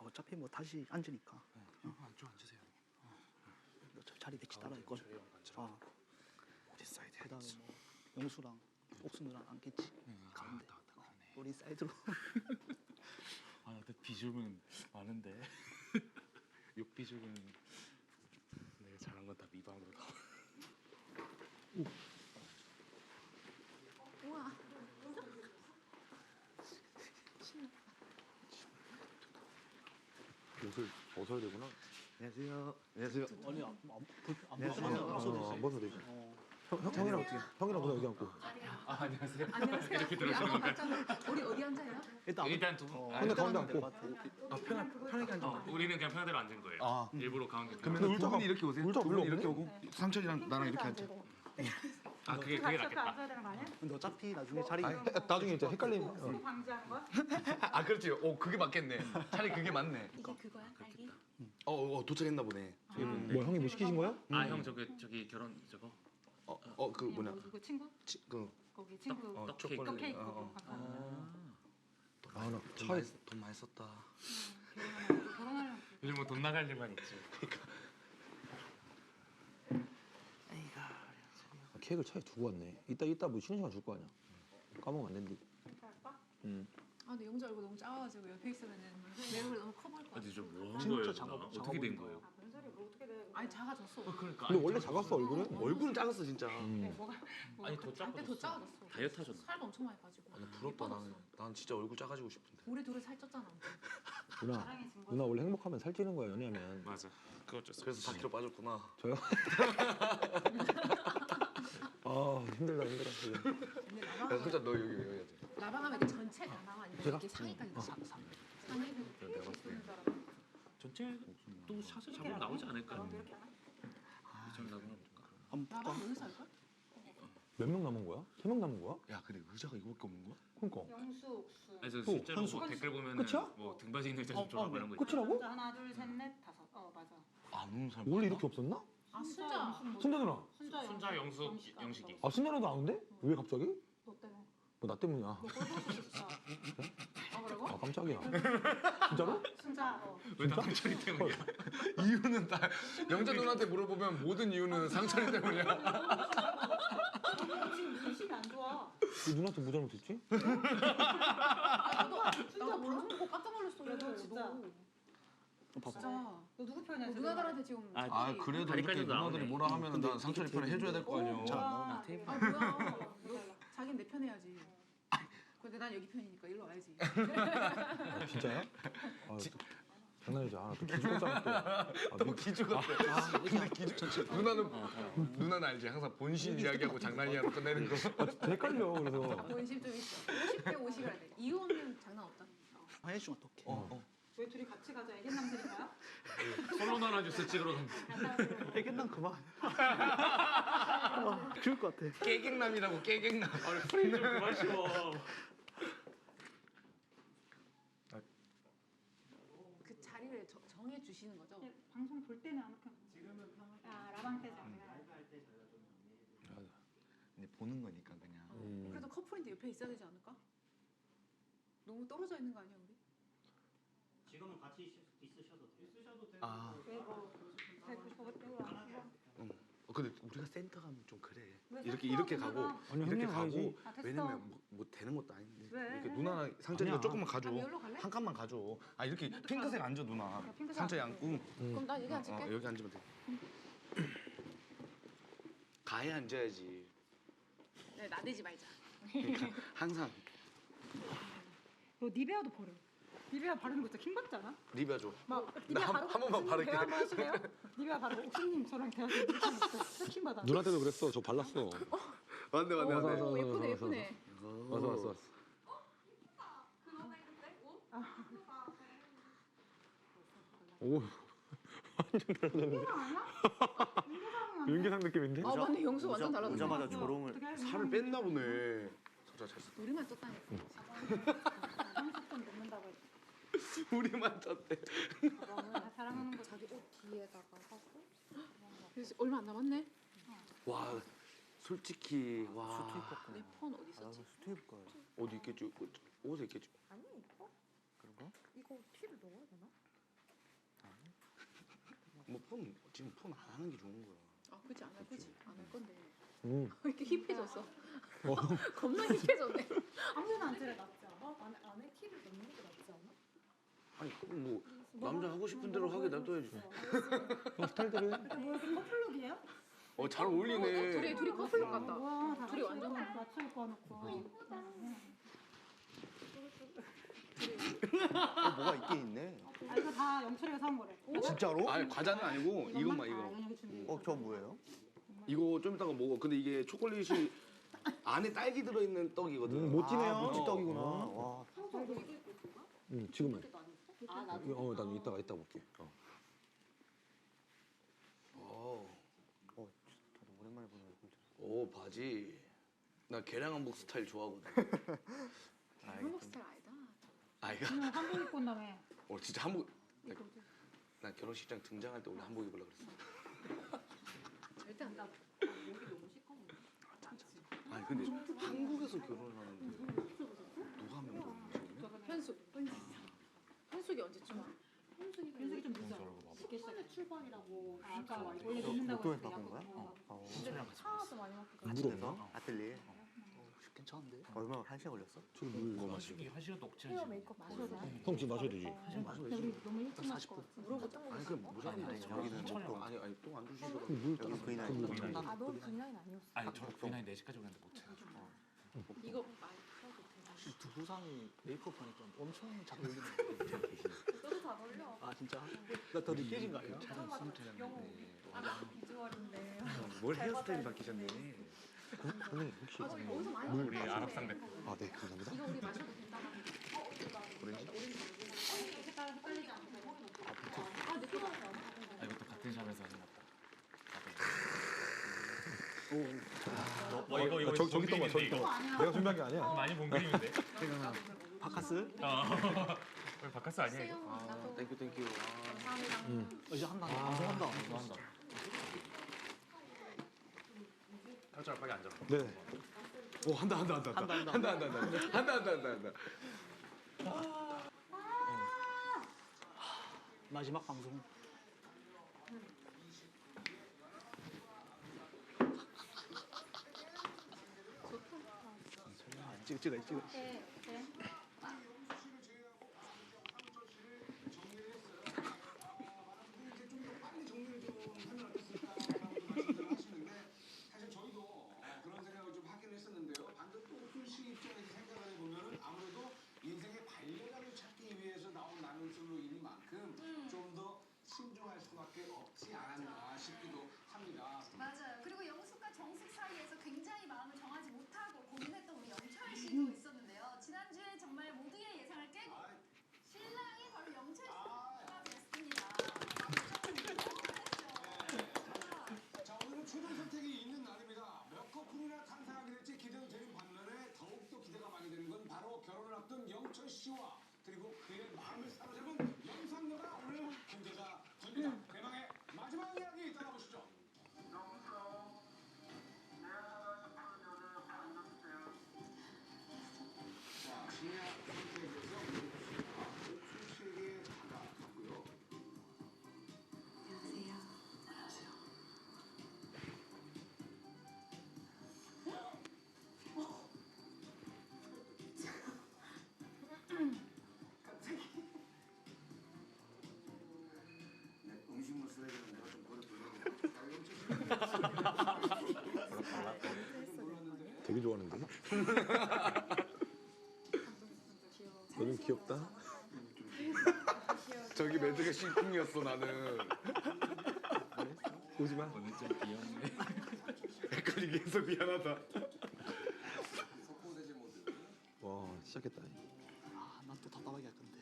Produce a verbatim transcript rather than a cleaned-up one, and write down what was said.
어차피 뭐 다시 앉으니까. 네. 어. 안쪽 앉으세요. 어. 저 자리 대치 따라 있걸. 아. 어디 사이드? 그다음에 뭐 영수랑 옥수 누랑 앉겠지. 네. 가운데. 아, 딱, 딱 그러네. 우리 사이드로. 아, 나도 비중은 많은데. 욕 비중은 내가 잘한 건 다 미방으로 나와. 우와. 옷을 벗어야 되구나. 안녕하세요. 안녕하세요. 아니 안, 안, 안 안녕하세요. 벗어도 안 벗어도 되지. 어. 형, 형, 형이랑 어떻게? 형이랑 보다 여기 앉고. 아, 안녕하세요. 안녕하세요. 이렇게 우리 아까 들어오시는 봤잖아. 우리 어디 앉아요? 일단 아무- 일단 두 분. 어, 근데 가운데 앉을 것 앉고. 같아. 아, 편하, 편하게 앉아. 어, 우리는 그냥 편하대로 앉은 거예요. 아. 일부러 가운데. 그러면 근데 두 의자가- 분이 이렇게 오세요. 의자가 두 분이 별로 이렇게 없네? 오고 상철이랑 나랑 이렇게 앉자. 아, 그게 그게 낫겠다. 앉아야 되는 거 아니야? 근데 어차피 나중에 자리 아니, 나중에 이제 헷갈림. 어. 수고 방지하는 거야? 아 그렇지. 오 그게 맞겠네. 차라리 그게 맞네. 이게 그거야? 딸기? 어, 어 도착했나 보네. 음. 뭐 형이 뭐 시키신 거야? 아, 형 저기 저기 결혼 저거. 어 어 그 뭐냐? 뭐 누구 친구? 치, 그 거기 친구 어, 떡 초콜릿. 떡 케이크 어, 어. 감사합니다. 아, 나 돈 차에 많이, 돈 많이 썼다. 결혼하려고 결혼하려고 요즘 뭐 돈 나갈 일만 있지. 아, 케이크를 차에 두고 왔네. 이따 이따 뭐 쉬는 시간 줄 거 아니야. 까먹으면 안 된디. 할까? 응. 아 근데 영주 얼굴 너무 작아가지고 옆에 있으면은 내 얼굴 너무 커 보일 것 같아. 근데 저뭐 한 진짜 거예요? 작아- 누나? 작아 어떻게 된 보인다. 거예요? 아 무슨 소리 뭐 어떻게 돼? 아니 작아졌어. 어, 그러니까. 근데 원래 작았어 얼굴은. 얼굴은 작았어 진짜. 음. 네, 뭐가 뭐 아니 더 한때 더 작아졌어. 작아졌어. 다이어트 하셨나? 살도 엄청 많이 빠지고. 아, 나 부럽다 나는. 난 진짜 얼굴 작아지고 싶은데. 우리 둘이 살쪘잖아. 누나, 사랑해진 거. 누나 원래 행복하면 살찌는 거야 연애하면. 맞아. 그거 어쩔 수 그래서 사 킬로 빠졌구나. 저요? 아 힘들다 힘들어. 지금. 근데 야 라방 솔직히 너 여기 여기 앉아. 라방하면 이렇게 전체 다 나와 아니면 제가? 이렇게 상의까지 다 상- 상. 상의 내가 봤을 때. 전체 또 샷을 잡으면 나오지 않을까? 이렇게 하나? 전 나보나 볼까? 한번 볼까? 라방 여기서 할걸? 몇 명 남은 거야? 세 명 남은 거야? 야 근데 의자가 이거밖에 없는 거야? 그러니까. 영수 옥수. 아니 저 또, 실제로 현수. 뭐 댓글 보면은 끝이야? 뭐 등받이 있는 의자 어, 좀 줘라 어, 뭐 이런 거 끝이라고? 혼자 하나 둘셋넷 다섯. 어 맞아. 안 오는 사람. 원래 이렇게 없었나? 아 순자. 순자 누나. 순자 순자 영수 영식이. 아 순자 누나도 아는데? 왜 갑자기? 너 때문에. 뭐 나 때문이야. 너 꼴보기 싫었어. 아 그러고? 아 깜짝이야. 진짜로? 순자. 어. 왜다 상철이 때문이야? 이유는 다 영자 누나한테 물어보면 모든 이유는 상철이 때문이야. 너 지금 인식이 안 좋아. 왜 누나한테 뭐 잘못했지? 나도 나도 방송 보고 깜짝 놀랐어. 야, 너 진짜. 너. 어, 봐봐. 진짜. 너 누구 편이야 너 지금? 누나들한테 지금 아, 아 그래도 다리까지도 이렇게 누나들이 나오네. 뭐라 하면은 근데 난 상철이 이게 편을 해줘야 될 거 아니야. 잘 안 와, 나오네. 되게 아 뭐야? 너 자기는 내 편 해야지. 근데 난 여기 편이니까 일로 와야지. 아, 진짜야? 아, 장난이지. 아, 또 기죽었잖아 또. 아, 또 미- 기죽 같아. 근데 기죽. 누나는 누나는 알지. 항상 본신 이야기하고 장난이야로 끝내는 거. 아, 진짜 헷갈려. 그래서 본심 좀 있어. 오십 대 오십이라 돼. 이혼은 장난 없다. 해주면 어떡해. 어 어. 저희 둘이 같이 가자. 애견 남들인가요? 솔로 나라 주스 찍으러 간. 애견남 그만. 어, 죽을 것 같아. 깨갱남이라고 깨갱남. 아니 프레임 좀 그만 씌워. 그 자리를 저, 정해 주시는 거죠? 네, 방송 볼 때는 아무렇게나. 지금은 아 라방 때잖아. 근데 보는 거니까 그냥. 음. 그래도 커플인데 옆에 있어야 되지 않을까? 너무 떨어져 있는 거 아니야 우리? 지금은 같이 있, 있으셔도 돼요. 있으셔도 되고. 아. 왜뭐 뵙고 싶어가지고 안 와. 응. 어, 근데 우리가 센터 가면 좀 그래. 왜 이렇게 센터 이렇게 가면 가고 되나? 아니, 이렇게 형님 가고 가야지. 아, 됐어. 왜냐면 뭐, 뭐 되는 것도 아닌데. 왜? 이렇게 누나랑 상철이가 아니야. 조금만 가줘. 아, 여기로 갈래? 한 칸만 가줘. 아 이렇게 핑크색 앉아 누나. 핑크색 상철이 앉고. 앉고. 그럼 나 여기 어, 앉을게. 어, 여기 앉으면 돼. 가에 앉아야지. 네, 나대지 말자. 그러니까 항상 너 니베아도 버려. 니베아 바르는 거 진짜 킹 받지 않아? 리뷰 줘. 막 나 니베아 한- 바르고 한 번만 옥수님 바를게. 대화 한번 하실래요? 니베아 바르고 옥수님 저랑 대화 좀 이렇게 하면서 킹 받아. 누나 때도 그랬어. 저 발랐어. 맞네 맞네 맞아, 맞아. 오 예쁘네 맞아, 예쁘네. 왔어 왔어 왔어. 오 완전 달라졌네. 윤계상 느낌인데? 아 맞네 영수 완전 달라졌네. 오자마자 조롱을. 어떻게 하면 살을 뺐나 보네. 진짜 잘 썼다. 우리만 쪘다니까. 상속돈 넣는다고 했지. 우리만 쪘대. 나 사랑하는 거 자기 옷 뒤에다가 하고. 그래서 얼마 안 남았네. 와 솔직히 와 내 폰 어디 나도 있었지? 수트 입을 거야. 어디 있겠지? 옷에 있겠지? 아니 이거? 그런가? 이거 티를 넣어야 되나? 지금 폰 안 하는 게 좋은 거야. 아 그치 안 할 거지 안 할 건데 음. 이렇게 힙해졌어. 겁나 힙해졌네. 아무나 안 차려 낫지 않아? 안에 안에 키를 넣는 게 낫지 않아? 아니 그럼 뭐 남자 하고 싶은 대로 하게 놔둬야지. 형 스타일대로 해. 뭐야 그럼 커플룩이야? 어 잘 어울리네. 둘이 둘이 커플룩 같다. 와, 다 둘이 완전 맞추고 꺼놓고. 어, 뭐가 있긴 있네. 아 이거 다 영철이가 사온 거래. 진짜로? 아니 과자는 아니고 이것만 아, 이거. 연영이 준비. 어, 저 뭐예요? 이거 좀 이따가 먹어. 근데 이게 초콜릿이 안에 딸기 들어있는 떡이거든. 음, 멋지네요. 아, 모찌떡이구나. 어. 와. 응, 지금은. 아, 나도. 어, 난 이따가 이따 볼게. 어. 어. 어, 저도 오랜만에 보는 얼굴. 오 바지. 나 계량 한복 스타일 좋아하거든. 한국 스타일 아니다. 아 이거. 응, 한복 입고 온다며. 어 진짜 한복. 나, 나 결혼식장 등장할 때 원래 한복 입으려 그랬어. 절대 안 나. 아니 근데 한국에서 결혼하는데 누가 하면 모르는 현숙. 현숙이 언제쯤 와? 연습이 좀 늦어. 십분의 출발이라고. 아, 아까 원래 늦는다고 로또에 했을 때 바꾼 거야? 약간 어. 어. 차도 많이 막히고. 아침에서 아틀리에. 어. 괜찮은데? 얼마 한 시간 걸렸어? 지금 물 이거 마시. 한식이 한 시간 녹지 헤어 메이크업 마셔도 돼? 형 지금 마셔야 되지. 근데 우리 너무 일찍 사십 마실 분. 것 같아. 아니 그럼 무조건 아니, 돼. 아니, 여기는 천천히 또 와. 아니 아니 또 안 주시더라고. 물 여기 따라- 그이나 물 있는 따라- 아, 너 비나인 아니었어? 아니 저 비나이 네 시까지 오는데 못 차. 이거 두부상이 메이크업 하니까 엄청 잘 어울리네. 너도 잘 어울려. 아 진짜? 나 더 느껴진 거 아니야? 비주얼인데. 뭘 헤어스타일이 바뀌셨네. 형님 혹시 어디서 많이 물 우리 아랍 상대. 아, 네, 감사합니다. 이거 우리 마셔도 된다고 하는데. 색깔 헷갈리지 않고. 아 느껴. 아 이것도 같은 샵에서 하는 것 같다. 와 이거 이거 아, 저기 저기 있던 거야, 저기 있던 거. 내가 준비한 게 아니야. 많이 본 그림인데. 바카스? 어. 왜 바카스 아니야 이거? 아 땡큐 땡큐. 아, 감사합니다. 응. 이제 한다. 방송한다. 좋아한다. 탈출 빨리 앉아. 네. 오 한다 한다 한다 한다 한다 한다 한다 한다 한다 한다 한다. 마지막 방송. 찍어 찍어 찍어. 네, 네. 사실 저희도 그런 생각을 좀 하긴 했었는데요. 방금 또 옥순 씨 입장에서 생각을 해보면 아무래도 인생의 반려자를 찾기 위해서 나온 나눔술로인 만큼 좀 더 신중할 수밖에 없지 않았나 싶기도 합니다. 맞아요. 그리고 영숙과 정숙 사이에서 굉장히 마음을 정하지 못하고 고민했던 우리 영철 씨도 있었는데요. 지난주에 정말 모두의 예상을 깨고 신랑이 바로 영철 씨가 됐습니다. 자, 오늘은 최종 선택이 있는 날입니다. 몇 커플이나 탄생하게 될지 기대도 되는 반면에 더욱더 기대가 많이 되는 건 바로 결혼을 앞둔 영철 씨와 그리고 그의 마음을 사로잡은 영상녀가 오늘 공개가 됩니다. 대망의 마지막 이야기 따라보시죠. 자, 신야 선택에서 옥순 씨에게 다가갔고요. 네, 음식물 쓰레기는 내가 좀 버려두려고. 되게 좋아하는데. 너는 귀엽다. 저기 멘트가 심쿵이었어 나는. 오지 마. 오늘 좀 귀엽네. 헷갈리게 해서 미안하다. 석고대제 모드. 와, 시작했다. 아난 또 답답하게 할 건데.